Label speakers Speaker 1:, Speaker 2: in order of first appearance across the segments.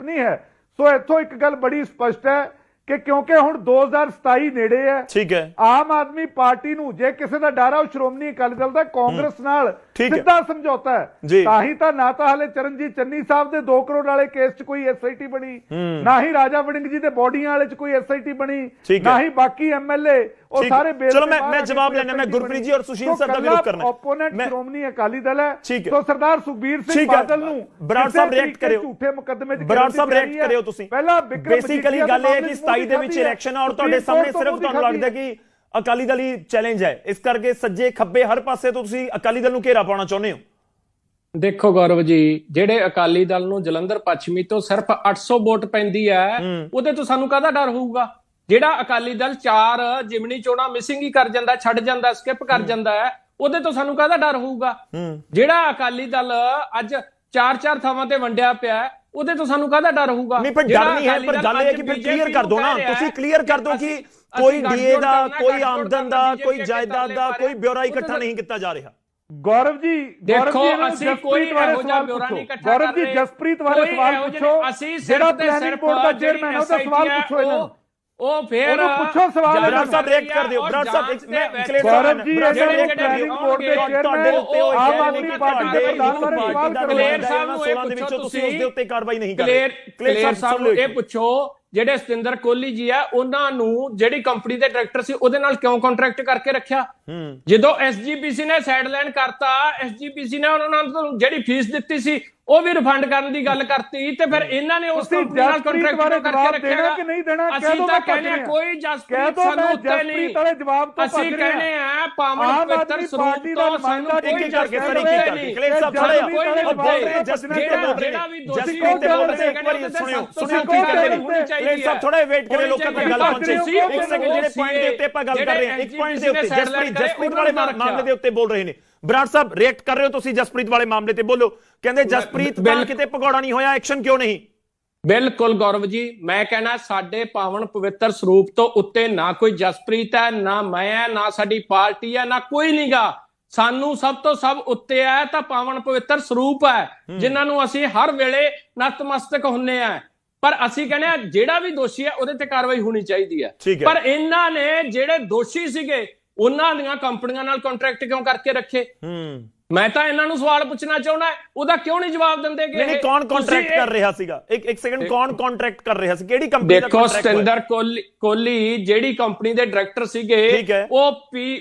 Speaker 1: नहीं है। सो इत्थों एक गल बड़ी स्पष्ट है कि क्योंकि हुण 2027 नेड़े है,
Speaker 2: ठीक है,
Speaker 1: आम आदमी पार्टी नूं जे किसी दा डर है श्रोमणी अकाली दल दा कांग्रेस नाल सीधा समझौता है। ताही तां ना तां हले चरणजीत चन्नी साहब दे 2 करोड़ वाले केस च कोई SIT बनी, ना ही राजा वड़िंग जी दे बॉडियां वाले च कोई SIT बनी, ना ही बाकी MLA और सारे बेल।
Speaker 2: चलो मैं जवाब लेना, मैं गुरप्रीत जी और सुशील सर का विरोध करना।
Speaker 1: ओपोनेंट श्रोमणी अकाली दल है, तो सरदार सुखबीर सिंह बादल नूं
Speaker 2: बराड़ साहब रिएक्ट करियो,
Speaker 1: झूठे मुकदमे च
Speaker 2: बराड़ साहब रिएक्ट करियो तुसीं।
Speaker 1: पहला
Speaker 2: बेसिकली गल है कि 27 ਦੇ ਵਿੱਚ ਇਲੈਕਸ਼ਨ और ਤੁਹਾਡੇ ਸਾਹਮਣੇ सिर्फ ਤੁਹਾਨੂੰ ਲੱਗਦਾ कि ਅਕਾਲੀ ਦਲ ਹੀ ਚੈਲੰਜ ਹੈ, ਇਸ ਕਰਕੇ ਸੱਜੇ ਖੱਬੇ ਹਰ ਪਾਸੇ ਤੋਂ ਤੁਸੀਂ ਅਕਾਲੀ ਦਲ ਨੂੰ ਘੇਰਾ ਪਾਉਣਾ ਚਾਹੁੰਦੇ ਹੋ।
Speaker 3: ਦੇਖੋ ਗੌਰਵ ਜੀ, ਜਿਹੜੇ ਅਕਾਲੀ ਦਲ ਨੂੰ ਜਲੰਧਰ ਪੱਛਮੀ ਤੋਂ ਸਿਰਫ 800 ਵੋਟ ਪੈਂਦੀ ਹੈ, ਉਹਦੇ ਤੋਂ ਸਾਨੂੰ ਕਾਹਦਾ ਡਰ ਹੋਊਗਾ? ਜਿਹੜਾ ਅਕਾਲੀ ਦਲ 4 ਜਿਮਣੀ ਚੋਣਾਂ ਮਿਸਿੰਗ ਹੀ ਕਰ ਜਾਂਦਾ, ਛੱਡ ਜਾਂਦਾ, ਸਕਿਪ ਕਰ ਜਾਂਦਾ ਹੈ, ਉਹਦੇ ਤੋਂ ਸਾਨੂੰ ਕਾਹਦਾ ਡਰ ਹੋਊਗਾ? ਜਿਹੜਾ ਅਕਾਲੀ ਦਲ ਅੱਜ 4-4 ਥਾਵਾਂ ਤੇ ਵੰਡਿਆ ਪਿਆ, ਉਹਦੇ ਤੋਂ ਸਾਨੂੰ ਕਾਹਦਾ ਡਰ ਹੋਊਗਾ?
Speaker 2: ਨਹੀਂ, ਪਰ ਡਰ ਨਹੀਂ ਹੈ, ਪਰ ਗੱਲ ਇਹ ਹੈ ਕਿ ਫਿਰ ਕਲੀਅਰ ਕਰ ਦੋ ਨਾ, ਤੁਸੀਂ ਕਲੀਅਰ ਕਰ ਦੋ ਕਿ ਕੋਈ ਡੀਏ ਦਾ, ਕੋਈ ਆਮਦਨ ਦਾ, ਕੋਈ ਜਾਇਦਾਦ ਦਾ ਕੋਈ ਬਿਊਰਾ ਇਕੱਠਾ ਨਹੀਂ ਕੀਤਾ ਜਾ ਰਿਹਾ।
Speaker 1: गौरव जी
Speaker 3: देखो ਅਸੀਂ ਕੋਈ ਇਹੋ ਜਿਹਾ ਬਿਊਰਾ ਨਹੀਂ ਇਕੱਠਾ ਕਰ ਰਹੇ।
Speaker 1: गौरव जी जसप्रीत वाले सवाल पूछो,
Speaker 3: ਅਸੀਂ
Speaker 1: ਜਿਹੜਾ ਪਲੈਨਿੰਗ ਬੋਰਡ ਦਾ ਚੇਅਰਮੈਨ ਉਹਦਾ ਸਵਾਲ ਪੁੱਛੋ ਇਹਨਾਂ ਨੂੰ।
Speaker 3: ਉਹ ਫੇਰ
Speaker 1: ਪੁੱਛੋ ਸਵਾਲ।
Speaker 2: ਬਰਾੜ ਸਾਹਿਬ ਰਿਐਕਟ ਕਰ ਦਿਓ, ਬਰਾੜ ਸਾਹਿਬ ਮੈਂ
Speaker 1: ਗੌਰਵ ਜੀ ਜਿਹੜੇ ਪਲੈਨਿੰਗ ਬੋਰਡ ਦੇ ਚੇਅਰਮੈਨ ਆਮ ਆਦਮੀ ਪਾਰਟੀ ਦੇ ਪ੍ਰਧਾਨ ਬਾਰੇ ਸਵਾਲ ਕਰੋ।
Speaker 3: ਕਲੇਰ ਸਾਹਿਬ ਨੂੰ ਇਹ ਪੁੱਛੋ, ਤੁਸੀਂ ਉਸ ਦੇ ਉੱਤੇ ਕਾਰਵਾਈ ਨਹੀਂ ਕਰ ਰਹੇ। ਕਲੇਰ ਸਾਹਿਬ ਨੂੰ ਇਹ ਪੁੱਛੋ, ਜਿਹੜੇ ਸਤਿੰਦਰ ਕੋਹਲੀ ਜੀ ਆ, ਉਹਨਾਂ ਨੂੰ ਜਿਹੜੀ ਕੰਪਨੀ ਦੇ ਡਾਇਰੈਕਟਰ ਸੀ ਉਹਦੇ ਨਾਲ ਕਿਉਂ ਕੰਟਰੈਕਟ ਕਰਕੇ ਰੱਖਿਆ? ਜਦੋਂ SGPC ਨੇ ਸਾਈਡਲਾਈਨ ਕਰਤਾ, SGPC ਨੇ ਉਹਨਾਂ ਨੂੰ ਜਿਹੜੀ ਫੀਸ ਦਿੱਤੀ ਸੀ ਉਹ ਵੀ ਰਿਫੰਡ ਕਰਨ ਦੀ ਗੱਲ ਕਰਤੀ, ਤੇ ਫਿਰ ਇਹਨਾਂ ਨੇ ਉਸ ਕੰਪਨੀ ਨਾਲ ਕੰਟਰੈਕਟ ਕਰਕੇ ਰੱਖਿਆ ਕਿ ਨਹੀਂ ਦੇਣਾ? ਅਸੀਂ ਤਾਂ ਕਹਿੰਦੇ ਆ ਕੋਈ ਜਸਪ੍ਰੀਤ ਸਾਨੂੰ ਉੱਤੇ ਨਹੀਂ, ਅਸੀਂ ਕਹਿੰਦੇ ਆ ਪਾਵਨ ਪਵਿੱਤਰ ਸਰੂਪ ਤੋਂ ਸਾਨੂੰ ਕੋਈ ਜਸਪ੍ਰੀਤ ਨਹੀਂ।
Speaker 2: ਕਲੇਰ ਸਾਹਿਬ ਥੋੜੇ ਬੋਲ ਰਹੇ ਜਸਪ੍ਰੀਤ ਤੇ ਬੋਲ ਰਹੇ, ਜਸਪ੍ਰੀਤ ਤੇ ਬੋਲ ਰਹੇ, ਇੱਕ ਵਾਰੀ ਸੁਣਿਓ ਕੀ ਕਰਦੇ ਨੇ ਕਲੇਰ ਸਾਹਿਬ, ਥੋੜਾ ਵੇਟ ਕਰੇ, ਲੋਕਾਂ ਤੱਕ ਗੱਲ ਪਹੁੰਚੇ। ਇੱਕ ਸੈਕਿੰਡ, ਜਿਹੜੇ ਪੁਆਇੰਟ ਦੇ ਉੱਤੇ ਆਪਾਂ ਗੱਲ ਕਰ ਰਹੇ ਹਾਂ, ਇੱਕ ਪੁਆਇੰਟ ਦੇ ਉੱਤੇ ਜਸਪ੍ਰੀਤ ਵਾਲੇ ਮਾਮਲੇ ਦੇ ਉੱਤੇ ਬੋਲ ਰਹੇ ਨੇ। ਬਰਾੜ ਸਾਹਿਬ ਰਿਐਕਟ ਕਰ ਰਹੇ ਹੋ ਤੁਸੀਂ ਜਸਪ੍ਰੀਤ ਵਾਲੇ ਮਾਮਲੇ ਤੇ, ਬੋਲੋ। ਕਹਿੰਦੇ ਜਸਪ੍ਰੀਤ ਦਾ ਕਿਤੇ ਭਗੌੜਾ ਨਹੀਂ ਹੋਇਆ, ਐਕਸ਼ਨ ਕਿਉਂ ਨਹੀਂ?
Speaker 3: ਬਿਲਕੁਲ ਗੌਰਵ ਜੀ, ਮੈਂ ਕਹਿਣਾ ਸਾਡੇ ਪਾਵਨ ਪਵਿੱਤਰ ਸਰੂਪ ਤੋਂ ਉੱਤੇ ਨਾ ਕੋਈ ਜਸਪ੍ਰੀਤ ਹੈ, ਨਾ ਮੈਂ ਹੈ, ਨਾ ਸਾਡੀ ਪਾਰਟੀ ਹੈ, ਨਾ ਕੋਈ ਨਹੀਂਗਾ। ਸਾਨੂੰ ਸਭ ਤੋਂ ਸਭ ਉੱਤੇ ਹੈ ਤਾਂ ਪਾਵਨ ਪਵਿੱਤਰ ਸਰੂਪ ਹੈ, ਜਿਨ੍ਹਾਂ ਨੂੰ ਅਸੀਂ ਹਰ ਵੇਲੇ ਨਤਮਸਤਕ ਹੁੰਨੇ ਆ। ਪਰ ਅਸੀਂ ਕਹਿੰਦੇ ਆ ਜਿਹੜਾ ਵੀ ਦੋਸ਼ੀ ਹੈ ਉਹਦੇ ਤੇ ਕਾਰਵਾਈ ਹੋਣੀ ਚਾਹੀਦੀ ਹੈ। ਪਰ ਇਹਨਾਂ ਨੇ ਜਿਹੜੇ ਦੋਸ਼ੀ ਸੀਗੇ ਉਹਨਾਂ ਦੀਆਂ ਕੰਪਨੀਆਂ ਨਾਲ ਕੰਟਰੈਕਟ ਕਿਉਂ ਕਰਕੇ ਰੱਖੇ? ਮੈਂ ਤਾਂ ਇਹਨਾਂ ਨੂੰ ਸਵਾਲ ਪੁੱਛਣਾ ਚਾਹੁੰਦਾ, ਉਹਦਾ ਕਿਉਂ ਨਹੀਂ ਜਵਾਬ ਦਿੰਦੇ?
Speaker 2: ਨਹੀਂ, ਕੌਣ ਕੰਟਰੈਕਟ ਕਰ ਰਿਹਾ ਸੀਗਾ? ਇੱਕ ਸੈਕਿੰਡ, ਕੌਣ ਕੰਟਰੈਕਟ ਕਰ ਰਿਹਾ ਸੀ? ਕਿਹੜੀ ਕੰਪਨੀ ਦਾ ਕੰਟਰੈਕਟ?
Speaker 3: ਦੇਖੋ, ਸਤਿੰਦਰ ਕੋਹਲੀ ਜਿਹੜੀ ਕੰਪਨੀ ਦੇ ਡਾਇਰੈਕਟਰ ਸੀਗੇ, ਉਹ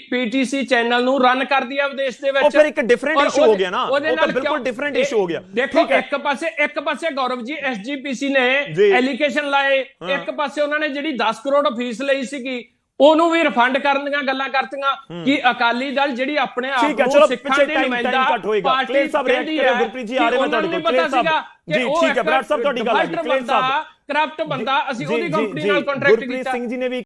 Speaker 3: PTC ਚੈਨਲ ਨੂੰ ਰਨ ਕਰਦੀ ਆ ਵਿਦੇਸ਼ ਦੇ ਵਿੱਚ।
Speaker 2: ਉਹ ਫਿਰ ਇੱਕ ਡਿਫਰੈਂਟ ਇਸ਼ੂ ਹੋ ਗਿਆ ਨਾ, ਉਹ ਤਾਂ ਬਿਲਕੁਲ ਡਿਫਰੈਂਟ ਇਸ਼ੂ ਹੋ ਗਿਆ।
Speaker 3: ਦੇਖੋ, ਇੱਕ ਪਾਸੇ ਗੌਰਵ ਜੀ SGPC ਨੇ ਐਲੀਗੇਸ਼ਨ ਲਾਏ, ਇੱਕ ਪਾਸੇ ਉਹਨਾਂ ਨੇ ਜਿਹੜੀ 10 ਕਰੋੜ ਫੀਸ ਲਈ ਸੀਗੀ ਉਹਨੂੰ ਵੀ ਰਿਫੰਡ ਕਰਨ ਦੀਆਂ ਗੱਲਾਂ ਕਰਤੀਆਂ ਕਿ ਅਕਾਲੀ ਦਲ ਜਿਹੜੀ ਆਪਣੇ ਆਪ ਨੂੰ ਸਿੱਖਾਂ ਦੀ ਨੁਮਾਇੰਦਾ ਪਾਰਟੀ ਕਹਿੰਦੀ ਹੈ, ਗੁਰਪ੍ਰੀਤ ਜੀ ਆ ਰਹੇ ਨੇ ਤੁਹਾਡੇ ਕੋਲ। ਕਲੇਰ ਸਾਹਿਬ ਜੀ ਠੀਕ ਹੈ, ਬਰਾੜ ਸਾਹਿਬ ਤੁਹਾਡੀ ਗੱਲ ਹੈ। ਕਲੇਰ ਸਾਹਿਬ ਕਰਪਟ ਬੰਦਾ, ਅਸੀਂ ਉਹਦੀ ਕੰਪਨੀ ਨਾਲ ਕੰਟਰੈਕਟ ਕੀਤਾ।
Speaker 2: ਗੁਰਪ੍ਰੀਤ ਸਿੰਘ ਜੀ ਨੇ ਵੀ